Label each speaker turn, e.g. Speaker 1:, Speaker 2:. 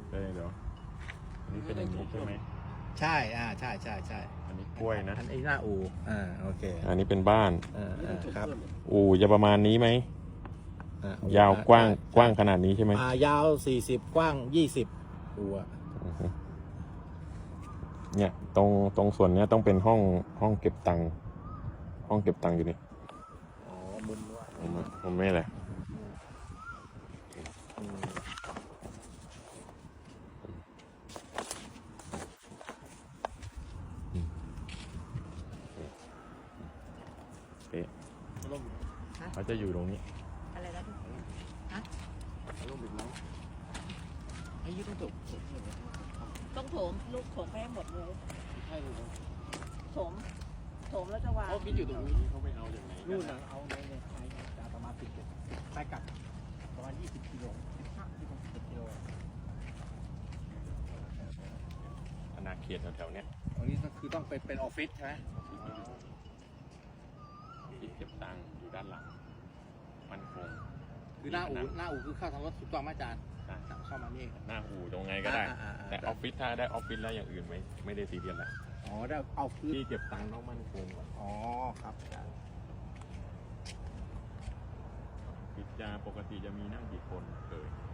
Speaker 1: เดี๋ยวอันนี้เป็นอย่างนี้ใช่ไหม
Speaker 2: ใช่ใช่ใช่
Speaker 1: อันนี้กล้วยนะ
Speaker 2: อันนี้หน้าอูโอเค
Speaker 1: อันนี้เป็นบ้าน
Speaker 2: ครับ
Speaker 1: อู่จะประมาณนี้ไหมยาวกว้างขนาดนี้ใช่ไหม
Speaker 2: ยาว40กว้าง20อู่
Speaker 1: เนี่ยตรงส่วนเนี้ยต้องเป็นห้องเก็บตังค์อยู่นี่
Speaker 2: อ๋อมุมว่า
Speaker 1: ผมไม่แหละเป๊ะเขาจะอยู่ตรงนี้
Speaker 3: อะไรนะพี่ฮะ
Speaker 2: ลงบิดน้องไอ้ยี่ต้องจบ
Speaker 3: ต้องโถมลูกโถมไปให้หมดเลย
Speaker 2: ใช่เลย
Speaker 3: โถมแล้วจะวาง
Speaker 2: เขาคิดอยู่ตรงนี้
Speaker 1: เขาไปเอาอย่างไหน
Speaker 2: นู่นนะเอาในจะประมาณ10ไปกลับประมาณ20กิโล15 กิโล
Speaker 1: อาณาเขตแถวๆเนี้ย
Speaker 2: ตรงนี้ก็คือต้องเป็นออฟฟิศใช่ไหม
Speaker 1: ที่เก็บตังค์อยู่ด้านหลังมันคง
Speaker 2: คือหน้าอู่คือเข้าทางรถถูกต้องไหมอาจารย์เข้ามานี่
Speaker 1: หน้าอู่ตรงไงก็ได้ แต่ออฟฟิศถ้าได้ออฟฟิศแล้วอย่างอื่นไม่ได้ซีเรียสแหละ
Speaker 2: อ๋อได้เอาคือ
Speaker 1: ที่เก็บตังค์ต้องมั่นคงก่อน
Speaker 2: อ๋อครับอาจารย์
Speaker 1: ปิดจาปกติจะมีนั่งกี่คนเคย